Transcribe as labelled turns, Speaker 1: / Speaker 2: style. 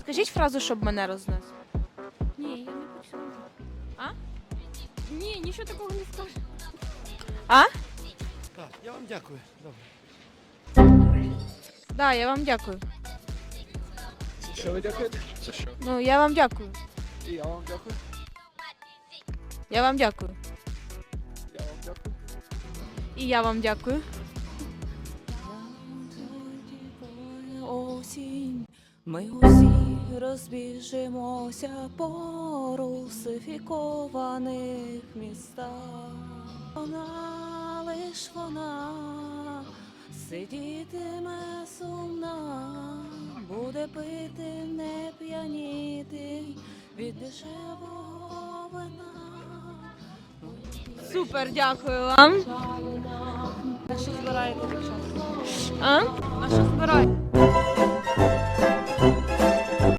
Speaker 1: Скажіть фразу, щоб мене рознесло.
Speaker 2: Ні, я не почула.
Speaker 1: А?
Speaker 2: Ні, нічого такого не скажу.
Speaker 1: А?
Speaker 3: Так, я вам дякую. Добре.
Speaker 1: Да, я вам дякую.
Speaker 4: Що ви дякуєте? Це що?
Speaker 1: Ну, я вам дякую.
Speaker 4: І я вам дякую.
Speaker 1: Я вам дякую.
Speaker 4: Я вам дякую.
Speaker 1: І я вам дякую.
Speaker 5: Осінь, ми усі розбіжимося по русифікованих містах. Вона, лиш вона, сидітиме сумна, буде пити, не п'яніти від дешевого вина.
Speaker 1: Супер, дякую вам.
Speaker 5: На що збираєте дівчата?
Speaker 1: А?
Speaker 5: На що збираєте?